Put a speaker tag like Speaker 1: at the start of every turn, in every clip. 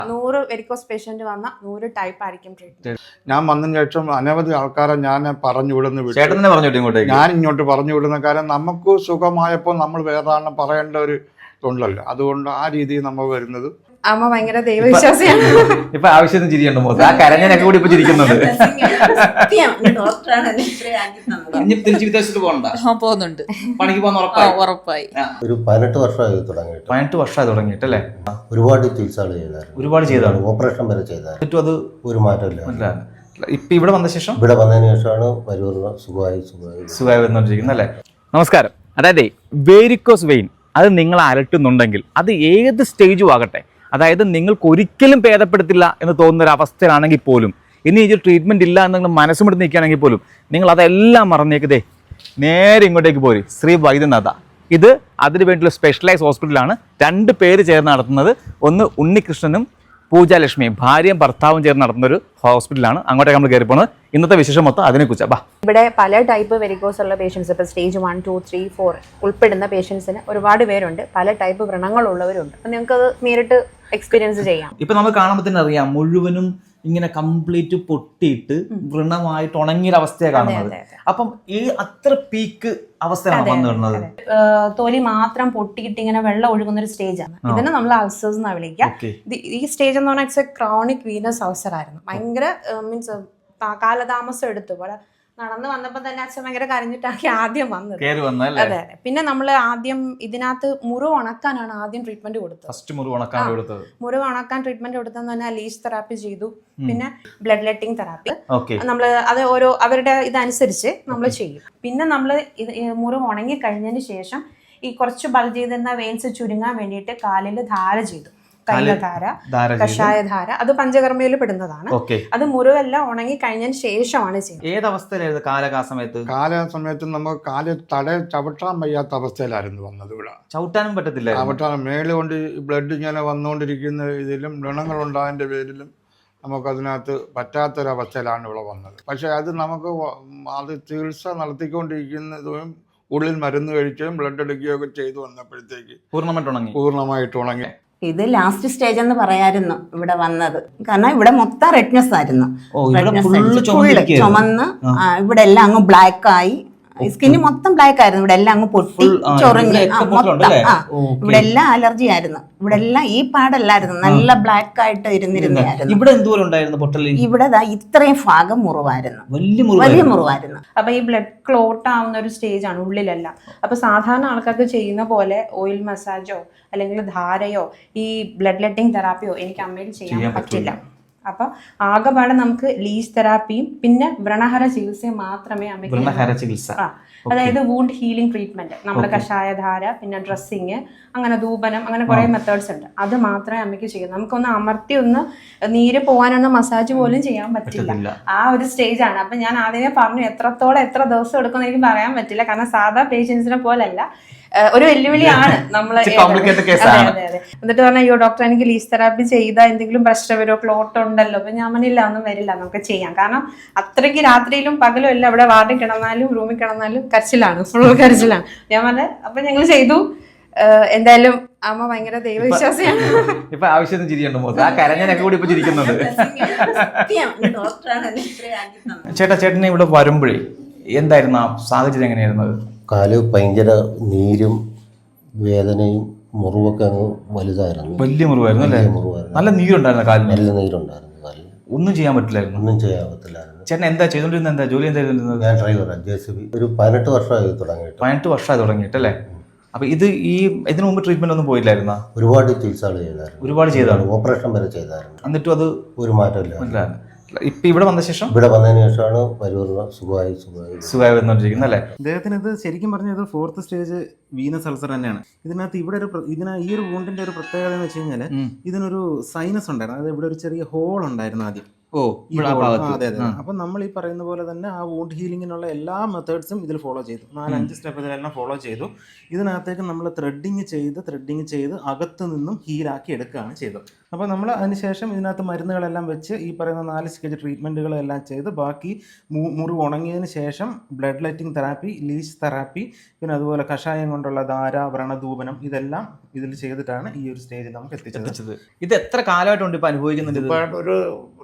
Speaker 1: 100 varicose patient വന്ന 100 type ആയിരിക്കും treatment.
Speaker 2: ഞാൻ വന്നതിന് ശേഷം അനവധി ആൾക്കാരെ ഞാൻ പറഞ്ഞു വിടുന്ന
Speaker 3: ചേട്ടൻ പറഞ്ഞു ഇങ്ങോട്ടേക്ക്,
Speaker 2: ഞാൻ ഇങ്ങോട്ട് പറഞ്ഞു വിടുന്ന കാര്യം നമുക്ക് സുഖമായപ്പോൾ നമ്മൾ വേറെ പറയേണ്ട ഒരു ഇതുണ്ടല്ലോ, അതുകൊണ്ട് ആ രീതിയിൽ നമ്മൾ വരുന്നത്.
Speaker 1: അമ്മ ഭയങ്കര ദൈവവിശ്വാസിയാണ്.
Speaker 3: ഇപ്പൊ ആവശ്യം ചിരിയുണ്ട് മോത്ത്, ആ കരഞ്ഞനൊക്കെ കൂടി ഇപ്പൊ ചിരിക്കുന്നുണ്ട്. തിരിച്ച് വിദേശത്ത്
Speaker 4: പോകുന്നുണ്ട്,
Speaker 3: പണിക്ക് പോകുന്ന
Speaker 4: ഉറപ്പായി.
Speaker 5: ഒരു 18 വർഷമായി തുടങ്ങിയിട്ട്.
Speaker 3: 18 വർഷമായി തുടങ്ങിയിട്ടല്ലേ?
Speaker 5: ഒരുപാട് ചികിത്സകൾ ചെയ്തായിരുന്നു,
Speaker 3: ഒരുപാട് ചെയ്താണ്,
Speaker 5: ഓപ്പറേഷൻ വരെ ചെയ്തായിരുന്നു.
Speaker 3: അത്
Speaker 5: ഒരു മാറ്റമില്ല.
Speaker 3: ഇപ്പൊ ഇവിടെ വന്ന ശേഷം,
Speaker 5: ഇവിടെ വന്നതിന് ശേഷമാണ് വരൂർ
Speaker 3: സുഖമായി വന്നുകൊണ്ടിരിക്കുന്നത് അല്ലേ? നമസ്കാരം. അതായത് വേരിക്കോസ് വെയിൻ അത് നിങ്ങളെ അലട്ടുന്നുണ്ടെങ്കിൽ അത് ഏത് സ്റ്റേജും ആകട്ടെ, അതായത് നിങ്ങൾക്ക് ഒരിക്കലും ഭേദപ്പെടുത്തില്ല എന്ന് തോന്നുന്ന ഒരു അവസ്ഥയിലാണെങ്കിൽ പോലും, ഇനി ഈ ട്രീറ്റ്മെൻറ്റ് ഇല്ല എന്ന് നിങ്ങൾ മനസ്സുമിട്ട് നിൽക്കുകയാണെങ്കിൽ പോലും നിങ്ങൾ അതെല്ലാം മറന്നേക്കതേ നേരെ ഇങ്ങോട്ടേക്ക് പോരും. ശ്രീ വൈദ്യനാഥ, ഇത് അതിന് വേണ്ടിയുള്ള സ്പെഷ്യലൈസ് ഹോസ്പിറ്റലാണ്. 2 പേര് ചേർന്ന് നടത്തുന്നത്. ഒന്ന് ഉണ്ണികൃഷ്ണനും പൂജാലക്ഷ്മിയും ഭാര്യയും ഭർത്താവും ചേർന്ന് നടത്തുന്ന ഒരു ഹോസ്പിറ്റലാണ്. അങ്ങോട്ടേക്ക് നമ്മൾ കയറി പോകുന്നത്. ഇന്നത്തെ വിശേഷം മൊത്തം അതിനെക്കുറിച്ചാണ്. ബാ,
Speaker 1: ഇവിടെ പല ടൈപ്പ് വെരിക്കോസ് ഉള്ള പേഷ്യൻസ്, ഇപ്പോൾ സ്റ്റേജ് 1, 2, 3, 4 ഉൾപ്പെടുന്ന പേഷ്യൻസിന് ഒരുപാട് പേരുണ്ട്. പല ടൈപ്പ് വ്രണങ്ങളുള്ളവരുണ്ട്. അപ്പം നിങ്ങൾക്ക് അത് നേരിട്ട് എക്സ്പീരിയൻസ് ചെയ്യാം.
Speaker 3: ഇപ്പം നമുക്ക് കാണുമ്പോൾ തന്നെ അറിയാം, മുഴുവനും ഇങ്ങനെ കംപ്ലീറ്റ് പൊട്ടിയിട്ട് വ്രണമായിട്ട് ഉണങ്ങിയൊരവസ്ഥയാണ് കാണുന്നത്. അപ്പം ഈ അത്ര പീക്ക് അവസ്ഥയാണ് വന്നിരുന്നത്.
Speaker 1: തൊലി മാത്രം പൊട്ടിയിട്ട് ഇങ്ങനെ വെള്ളം ഒഴുകുന്ന ഒരു സ്റ്റേജാണ്. ഇതിനെ നമ്മൾ അൾസേഴ്സ് എന്നാണ് വിളിക്കുക. ഈ സ്റ്റേജ് എന്ന് പറഞ്ഞാൽ it's a chronic venous ulcer ആയിരുന്നു. ഭയങ്കര മീൻസ് കാലതാമസം എടുത്തു. ഇവിടെ നടന്നു വന്നപ്പോ തന്നെ അച്ഛൻ ഭയങ്കര കരഞ്ഞിട്ടാണ് ആദ്യം വന്നത്. അതെ അതെ. പിന്നെ നമ്മൾ ആദ്യം ഇതിനകത്ത് മുറിവ് ഉണക്കാനാണ് ആദ്യം ട്രീറ്റ്മെന്റ് കൊടുത്തത്. മുറിവ് ഉണക്കാൻ ട്രീറ്റ്മെന്റ് കൊടുത്തെന്ന് പറഞ്ഞാൽ ലീച്ച് തെറാപ്പി ചെയ്തു. പിന്നെ ബ്ലഡ് ലെറ്റിംഗ് തെറാപ്പി നമ്മൾ അത് ഓരോ അവരുടെ ഇതനുസരിച്ച് നമ്മൾ ചെയ്യും. പിന്നെ നമ്മൾ മുറിവ് ഉണങ്ങി കഴിഞ്ഞതിന് ശേഷം ഈ കുറച്ച് ബൾജ് ചെയ്തിരുന്ന വെയിൻസ് ചുരുങ്ങാൻ വേണ്ടിയിട്ട് കാലിൽ ധാര ചെയ്തു. കൈലധാര, കഷായധാര, അത് പഞ്ചകർമ്മയിൽ പെടുന്നതാണ്. അത് മുറിവെല്ലാം ഉണങ്ങി കഴിഞ്ഞതിന് ശേഷമാണ് ചെയ്യുന്നത്.
Speaker 3: ഏതവസ്ഥയിലായിരുന്നു
Speaker 2: കാലസമയത്ത് നമുക്ക് കാല് ചവിട്ടാൻ വയ്യാത്ത അവസ്ഥയിലായിരുന്നു വന്നത്. ഇവിടെ
Speaker 3: ചവിട്ടാനും പറ്റത്തില്ല.
Speaker 2: ചവിട്ടാനും മേല് കൊണ്ട് ബ്ലഡ് ഇങ്ങനെ വന്നുകൊണ്ടിരിക്കുന്ന ഇതിലും വ്രണങ്ങളുണ്ടായതിൻ്റെ പേരിലും നമുക്കതിനകത്ത് പറ്റാത്തൊരവസ്ഥയിലാണ് ഇവിടെ വന്നത്. പക്ഷെ അത് നമുക്ക് അത് ചികിത്സ നടത്തിക്കൊണ്ടിരിക്കുന്നതും ഉള്ളിൽ മരുന്ന് കഴിക്കുകയും ബ്ലഡ് എടുക്കുകയൊക്കെ ചെയ്തു വന്നപ്പോഴത്തേക്ക് പൂർണ്ണമായിട്ട് ഉണങ്ങി.
Speaker 6: ഇത് ലാസ്റ്റ് സ്റ്റേജ് എന്ന് പറയായിരുന്നു ഇവിടെ വന്നത്. കാരണം ഇവിടെ മൊത്തം റെഡ്നെസ് ആയിരുന്നു, ചുമന്ന് ഇവിടെ എല്ലാം അങ്ങ് ബ്ലാക്ക് ആയി, സ്കിന്ന് മൊത്തം ബ്ലാക്ക് ആയിരുന്നു. ഇവിടെ എല്ലാം അങ്ങ് പൊട്ടി ചൊറിഞ്ഞ് മൊത്തം ഇവിടെ എല്ലാം അലർജി ആയിരുന്നു. ഇവിടെ എല്ലാം ഈ പാടല്ലായിരുന്നു, നല്ല ബ്ലാക്ക് ആയിട്ട് ഇരുന്നിരുന്നായിരുന്നു. ഇവിടെ ഇത്രയും ഭാഗം മുറിവായിരുന്നു, വലിയ മുറിവായിരുന്നു.
Speaker 1: അപ്പൊ ഈ ബ്ലഡ് ക്ലോട്ട് ആവുന്ന ഒരു സ്റ്റേജ് ആണ് ഉള്ളിലെല്ലാം. അപ്പൊ സാധാരണ ആൾക്കാർക്ക് ചെയ്യുന്ന പോലെ ഓയിൽ മസാജോ അല്ലെങ്കിൽ ധാരയോ ഈ ബ്ലഡ് ലെറ്റിംഗ് തെറാപ്പിയോ എനിക്ക് അമ്മയിൽ ചെയ്യാൻ പറ്റില്ല. അപ്പൊ ആകെപ്പാടെ നമുക്ക് ലീച്ച് തെറാപ്പിയും പിന്നെ വ്രണഹര ചികിത്സയും മാത്രമേ അമ്മയ്ക്ക്, അതായത് വൂണ്ട് ഹീലിംഗ് ട്രീറ്റ്മെന്റ്, നമ്മുടെ കഷായധാര, പിന്നെ ഡ്രസ്സിങ്, അങ്ങനെ ധൂപനം, അങ്ങനെ കുറെ മെത്തേഡ്സ് ഉണ്ട്. അത് മാത്രമേ അമ്മയ്ക്ക് ചെയ്യൂ. നമുക്കൊന്ന് അമർത്തി ഒന്ന് നീര് പോകാനൊന്ന് മസാജ് പോലും ചെയ്യാൻ പറ്റില്ല. ആ ഒരു സ്റ്റേജ് ആണ്. അപ്പൊ ഞാൻ ആദ്യമേ പറഞ്ഞു എത്രത്തോളം എത്ര ദിവസം എടുക്കുമെന്ന് എനിക്ക് പറയാൻ പറ്റില്ല. കാരണം സാധാ പേഷ്യൻസിനെ പോലല്ല, ഒരു വെല്ലുവിളിയാണ് നമ്മള്. എന്നിട്ട് പറഞ്ഞ അയ്യോ ഡോക്ടർ എനിക്ക് ലീച്ച് തെറാപ്പി ചെയ്താൽ എന്തെങ്കിലും പ്രശ്നം വരുമോ, ക്ലോട്ട് ഉണ്ടല്ലോ. അപ്പൊ ഞാൻ പറഞ്ഞില്ല, ഒന്നും വരില്ല, നമുക്ക് ചെയ്യാം. കാരണം അത്രയ്ക്ക് രാത്രിയിലും പകലും എല്ലാം ഇവിടെ വാർഡിൽ കിടന്നാലും റൂമിൽ കിടന്നാലും കരച്ചിലാണ്, ഫുൾ കരച്ചിലാണ്. ഞാൻ പറഞ്ഞ അപ്പൊ ഞങ്ങൾ ചെയ്തു. എന്തായാലും അമ്മ ഭയങ്കര ദൈവവിശ്വാസിയാണ്.
Speaker 3: ഇപ്പൊ ആവശ്യം ചിരിയുണ്ട്, ആ കരഞ്ഞനൊക്കെ കൂടി ഇപ്പൊ ചിരിക്കുന്നുണ്ട്. ചേട്ടനെ ഇവിടെ വരുമ്പോഴേ എന്തായിരുന്നു ആ സാഹചര്യം? എങ്ങനെയായിരുന്നത്?
Speaker 5: കാല് ഭയങ്കര നീരും വേദനയും മുറിവൊക്കെ അങ്ങ് വലുതായിരുന്നു.
Speaker 3: വലിയ മുറിവായിരുന്നു അല്ലേ? നല്ല നീരുണ്ടായിരുന്നു കാലിന്?
Speaker 5: നല്ല നീരുണ്ടായിരുന്നു കാലിന്.
Speaker 3: ഒന്നും ചെയ്യാൻ പറ്റില്ലായിരുന്നു.
Speaker 5: ഒന്നും ചെയ്യാൻ പറ്റില്ലായിരുന്നു.
Speaker 3: ചേട്ടൻ എന്താ ചെയ്തോണ്ടിരുന്നത്? എന്താ ജോലി എന്താ ചെയ്തോണ്ടിരുന്നത്?
Speaker 5: ഞാൻ ഡ്രൈവറാണ്, JCB. ഒരു 18 വർഷമായി തുടങ്ങിയിട്ട്.
Speaker 3: 18 വർഷമായി തുടങ്ങിയിട്ടല്ലേ? അപ്പൊ ഇതിനു മുമ്പ് ട്രീറ്റ്മെന്റ് ഒന്നും പോയില്ലായിരുന്നോ?
Speaker 5: ഒരുപാട് ചികിത്സകൾ ചെയ്തായിരുന്നു,
Speaker 3: ഒരുപാട് ചെയ്താണ്,
Speaker 5: ഓപ്പറേഷൻ വരെ ചെയ്തായിരുന്നു.
Speaker 3: എന്നിട്ടും അത്
Speaker 5: ഒരു മാറ്റമില്ല.
Speaker 3: ഇപ്പൊ ഇവിടെ വന്ന ശേഷം,
Speaker 5: ഇവിടെ വന്നതിന് ശേഷമാണ് വരൂർ സുഖമായി
Speaker 3: വന്നുകൊണ്ടിരിക്കുന്നത് അല്ലേ?
Speaker 7: അദ്ദേഹത്തിന് ഇത് ശരിക്കും പറഞ്ഞാൽ ഇത് 4th സ്റ്റേജ് വീനസ് അൾസർ തന്നെയാണ്. ഇതിനകത്ത് ഇവിടെ ഈ ഒരു വൂണ്ടിന്റെ ഒരു പ്രത്യേകത എന്ന് വെച്ച് കഴിഞ്ഞാൽ ഇതിനൊരു സൈനസ് ഉണ്ടായിരുന്നു. അതായത് ഇവിടെ ഒരു ചെറിയ ഹോൾ ഉണ്ടായിരുന്നു ആദ്യം.
Speaker 3: ഓ
Speaker 7: ഈ
Speaker 3: ഇവിടെ ആ
Speaker 7: hole.
Speaker 3: ഭാഗത്ത്.
Speaker 7: അതെ അതെ. അപ്പം നമ്മൾ ഈ പറയുന്ന പോലെ തന്നെ ആ വൂണ്ട് ഹീലിങ്ങിനുള്ള എല്ലാ മെത്തേഡ്സും ഇതിൽ ഫോളോ ചെയ്തു. 4-5 സ്റ്റെപ്പ് ഇതിലെല്ലാം ഫോളോ ചെയ്തു. ഇതിനകത്തേക്ക് നമ്മൾ ത്രെഡിങ് ചെയ്ത് അകത്ത് നിന്നും ഹീലാക്കി എടുക്കുകയാണ് ചെയ്തത്. അപ്പോൾ നമ്മൾ അതിനുശേഷം ഇതിനകത്ത് മരുന്നുകളെല്ലാം വെച്ച് ഈ പറയുന്ന 4 സ്റ്റേജ് ട്രീറ്റ്മെൻറ്റുകളെല്ലാം ചെയ്ത് ബാക്കി മുറിവ് ഉണങ്ങിയതിന് ശേഷം blood letting therapy, leech therapy, പിന്നെ അതുപോലെ കഷായം കൊണ്ടുള്ള ധാര, വ്രണധൂപനം ഇതെല്ലാം ഇതിൽ ചെയ്തിട്ടാണ് ഈ ഒരു സ്റ്റേജിൽ നമുക്ക് എത്തിച്ചത്.
Speaker 3: ഇത് എത്ര കാലമായിട്ടുണ്ട് ഇപ്പൊ അനുഭവിക്കുന്നുണ്ട്?
Speaker 2: ഇപ്പൊ ഒരു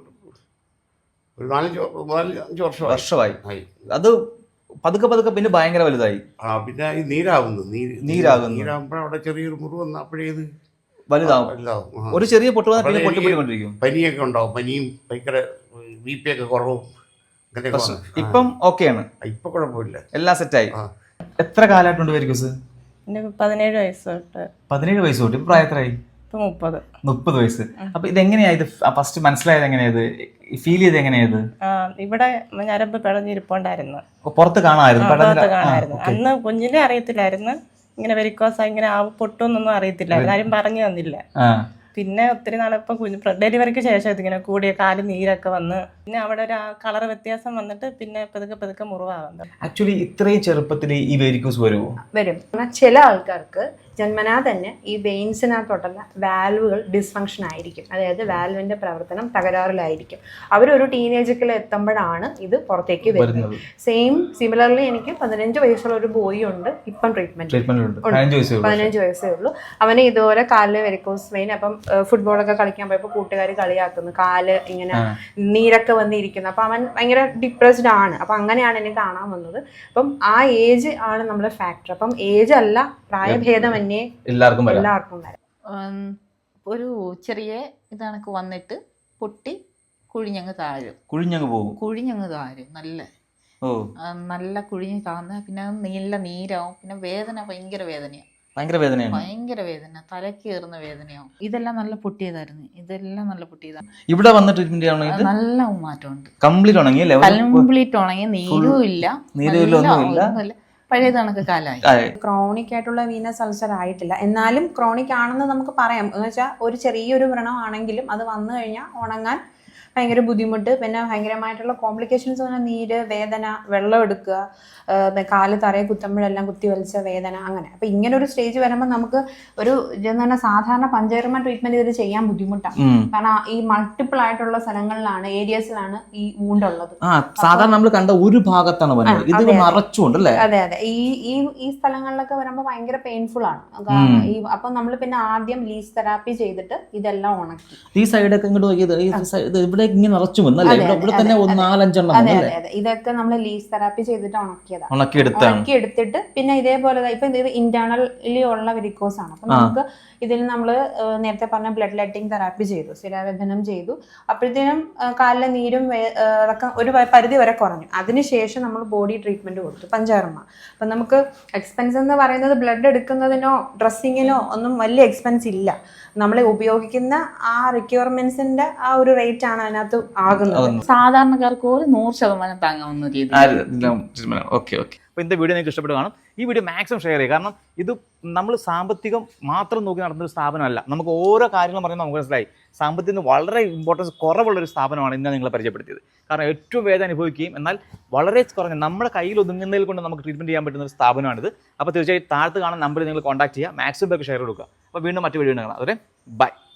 Speaker 2: 4-5
Speaker 3: വർഷമായി.
Speaker 2: ആയി.
Speaker 3: അത് പതുക്കെ പിന്നെ ഭയങ്കര വലുതായി.
Speaker 2: പിന്നെ ഈ നീരാകുന്നു. നീരാകുമ്പോൾ അവിടെ ചെറിയൊരു മുറിവ് വന്ന അപ്പോഴേ ഇത്
Speaker 3: വലുതാവും. ഒരു ചെറിയ പൊട്ട് വന്നാൽ പിന്നെ പൊട്ടിക്കൊണ്ടിരിക്കും.
Speaker 2: പനിയൊക്കെ ഉണ്ടാവും. പനിയും ഭയങ്കര BP ഒക്കെ കുറവും അങ്ങനെയൊക്കെ വന്നു.
Speaker 3: ഇപ്പം ഓക്കെയാണ്,
Speaker 2: ഇപ്പൊ കുഴപ്പമില്ല,
Speaker 3: എല്ലാം സെറ്റായി. എത്ര കാലമായിട്ടുണ്ട് വെരിക്കോസ്?
Speaker 4: 17 വയസ്സ് തൊട്ട്.
Speaker 3: 17 വയസ്സ് തൊട്ട്. ഇപ്പൊ പ്രായം എത്രയായി? 30 വയസ്സ്. അപ്പൊ ഇതെങ്ങനെയാ ഇത് ഫസ്റ്റ് മനസ്സിലായത്? എങ്ങനെയത് ഫീൽ ചെയ്ത്? എങ്ങനെയത്?
Speaker 4: ഇവിടെ ഞരമ്പ് പിടഞ്ഞിരിപ്പുണ്ടായിരുന്നു,
Speaker 3: പുറത്ത്
Speaker 4: കാണാമായിരുന്നു. അന്ന് കുഞ്ഞിനെ അറിയത്തില്ലായിരുന്നു ഇങ്ങനെ വെരിക്കോസ ഇങ്ങനെ പൊട്ടൊന്നും അറിയത്തില്ലായിരുന്നു, ആരും പറഞ്ഞു തന്നില്ല. പിന്നെ ഒത്തിരി നാളിപ്പം ഡെലിവറിക്ക് ശേഷം ഇതിങ്ങനെ കൂടിയ കാല് നീരൊക്കെ വന്ന് പിന്നെ അവിടെ ഒരു കളർ വ്യത്യാസം വന്നിട്ട് പിന്നെ പതുക്കെ മുറിവാകുന്നത്.
Speaker 3: ആക്ച്വലി ഇത്രയും ചെറുപ്പത്തിൽ ഈ വെരിക്കോസ് വരും.
Speaker 1: ചില ആൾക്കാർക്ക് ജന്മനാ തന്നെ ഈ വെയിൻസിനകത്തോട്ടുള്ള വാൽവുകൾ ഡിസ്ഫങ്ഷൻ ആയിരിക്കും, അതായത് വാൽവിന്റെ പ്രവർത്തനം തകരാറിലായിരിക്കും. അവരൊരു ടീനേജൊക്കെ എത്തുമ്പോഴാണ് ഇത് പുറത്തേക്ക് വരുന്നത്. സിമിലർലി എനിക്ക് 15 വയസ്സുള്ള ഒരു ബോയ് ഉണ്ട്, ഇപ്പം ട്രീറ്റ്മെന്റ് 15 വയസ്സേ ഉള്ളൂ. അവന് ഇതുപോലെ കാലില് വെരിക്കോസ് വെയിൻ. അപ്പം ഫുട്ബോളൊക്കെ കളിക്കാൻ പോയപ്പോൾ കൂട്ടുകാർ കളിയാക്കുന്നു, കാല് ഇങ്ങനെ നീരൊക്കെ വന്നിരിക്കുന്നു. അപ്പൊ അവൻ ഭയങ്കര ഡിപ്രസ്ഡ് ആണ്. അപ്പൊ അങ്ങനെയാണ് എന്നെ കാണാൻ വന്നത്. അപ്പം ആ ഏജ് ആണ് നമ്മുടെ ഫാക്ടർ. അപ്പം ഏജ് അല്ല, പ്രായഭേദം
Speaker 3: എല്ലാവർക്കും
Speaker 1: വരാം.
Speaker 8: ഒരു ചെറിയ ഇതണക്ക് വന്നിട്ട് പൊട്ടി കുഴിഞ്ഞങ്ങ്
Speaker 3: പോകും.
Speaker 8: താഴും നല്ല കുഴിഞ്ഞ് താഴ്ന്ന പിന്നെ നല്ല നീരാവും. പിന്നെ വേദന ഭയങ്കര വേദനയാണ്. തലക്ക് കയറുന്ന വേദനയാവും. ഇതെല്ലാം നല്ല പൊട്ടിയതായിരുന്നു.
Speaker 3: ഇവിടെ വന്ന് ട്രീറ്റ്മെന്റ്
Speaker 8: നല്ല മാറ്റമുണ്ട്.
Speaker 3: കംപ്ലീറ്റ് ഉണങ്ങി,
Speaker 8: നീരും ഇല്ല, പഴയ കണക്ക് കാലമായി.
Speaker 1: ക്രോണിക് ആയിട്ടുള്ള വീനസ് അൾസർ ആയിട്ടില്ല, എന്നാലും ക്രോണിക് ആണെന്ന് നമുക്ക് പറയാം. എന്ന് വെച്ചാൽ ഒരു ചെറിയൊരു വ്രണമാണെങ്കിലും അത് വന്നു കഴിഞ്ഞാൽ ഉണങ്ങാൻ ഭയങ്കര ബുദ്ധിമുട്ട്. പിന്നെ ഭയങ്കരമായിട്ടുള്ള കോംപ്ലിക്കേഷൻസ് പറഞ്ഞാൽ നീര്, വേദന, വെള്ളം എടുക്കുക, കാല് തറയെ കുത്തുമ്പോഴെല്ലാം കുത്തി വലിച്ച വേദന, അങ്ങനെ. അപ്പം ഇങ്ങനെ ഒരു സ്റ്റേജ് വരുമ്പോൾ നമുക്ക് ഒരു സാധാരണ പഞ്ചകർമ്മ ട്രീറ്റ്മെന്റ് ഇതിൽ ചെയ്യാൻ ബുദ്ധിമുട്ടാണ്. കാരണം ഈ മൾട്ടിപ്പിൾ ആയിട്ടുള്ള സ്ഥലങ്ങളിലാണ്, ഏരിയസിലാണ് ഈ വൂണ്ടുള്ളത്.
Speaker 3: സാധാരണ നമ്മൾ കണ്ട ഒരു ഭാഗത്താണ്.
Speaker 1: അതെ. ഈ സ്ഥലങ്ങളിലൊക്കെ വരുമ്പോൾ ഭയങ്കര പെയിൻഫുൾ ആണ്. അപ്പൊ നമ്മൾ പിന്നെ ആദ്യം ലീച്ച് തെറാപ്പി ചെയ്തിട്ട് ഇതെല്ലാം ഉണക്കി.
Speaker 3: ഈ സൈഡൊക്കെ ഇങ്ങോട്ട് ഇങ്ങനെ നിറച്ചു വന്നല്ലേ? ഇവിടെ തന്നെ 4-5 എണ്ണം.
Speaker 1: അതെ. ഇതൊക്കെ നമ്മൾ ലീച്ച് തെറാപ്പി ചെയ്തിട്ട് ഉണക്കി എടുത്തിട്ട് പിന്നെ ഇതേപോലെ ഇപ്പൊ ഇത് ഇന്റേണലി ഉള്ള വെരിക്കോസ് ആണ്. അപ്പൊ നമുക്ക് ഇതിൽ നമ്മൾ നേരത്തെ പറഞ്ഞ ബ്ലഡ് ലെറ്റിംഗ് തെറാപ്പി ചെയ്തു, സ്ഥിരാവേദനം ചെയ്തു. അപ്പോഴത്തേനും കാലിലെ നീരും അതൊക്കെ ഒരു പരിധി വരെ കുറഞ്ഞു. അതിനുശേഷം നമ്മൾ ബോഡി ട്രീറ്റ്മെന്റ് കൊടുത്തു, പഞ്ചകർമ്മ. അപ്പൊ നമുക്ക് എക്സ്പെൻസ് എന്ന് പറയുന്നത് ബ്ലഡ് എടുക്കുന്നതിനോ ഡ്രസ്സിങ്ങിനോ ഒന്നും വലിയ എക്സ്പെൻസ് ഇല്ല. നമ്മൾ ഉപയോഗിക്കുന്ന ആ റിക്വയർമെന്റ്സിന്റെ ആ ഒരു റേറ്റ് ആണ് അതിനകത്ത് ആകുന്നത്.
Speaker 8: സാധാരണക്കാർക്ക് ഒരു 100% താങ്ങാവുന്ന രീതി.
Speaker 3: അപ്പോൾ ഇന്നത്തെ വീഡിയോ നിങ്ങൾക്ക് ഇഷ്ടപ്പെട്ട് കാണും. ഈ വീഡിയോ മാക്സിമം ഷെയർ ചെയ്യുക. കാരണം ഇത് നമ്മൾ സാമ്പത്തികം മാത്രം നോക്കി നടന്നൊരു സ്ഥാപനമല്ല. നമുക്ക് ഓരോ കാര്യങ്ങളും പറയുമ്പോൾ നമുക്ക് മനസ്സിലായി സാമ്പത്തികത്തിന് വളരെ ഇമ്പോർട്ടൻസ് കുറവുള്ളൊരു സ്ഥാപനമാണ് ഇന്ന് നിങ്ങളെ പരിചയപ്പെടുത്തിയത്. കാരണം ഏറ്റവും വേദന അനുഭവിക്കുകയും എന്നാൽ വളരെ കുറഞ്ഞ നമ്മുടെ കയ്യിൽ ഒതുങ്ങുന്നതിൽ കൊണ്ട് നമുക്ക് ട്രീറ്റ്മെൻറ്റ് ചെയ്യാൻ പറ്റുന്ന ഒരു സ്ഥാപനമാണിത്. അപ്പോൾ തീർച്ചയായും താഴത്ത് കാണുന്ന നമ്പറിൽ നിങ്ങൾ കോൺടാക്ട് ചെയ്യുക, മാക്സിമം പേർക്ക് ഷെയർ കൊടുക്കുക. അപ്പോൾ വീണ്ടും മറ്റു വീഡിയോ കാണാം. അതുവരെ ബൈ.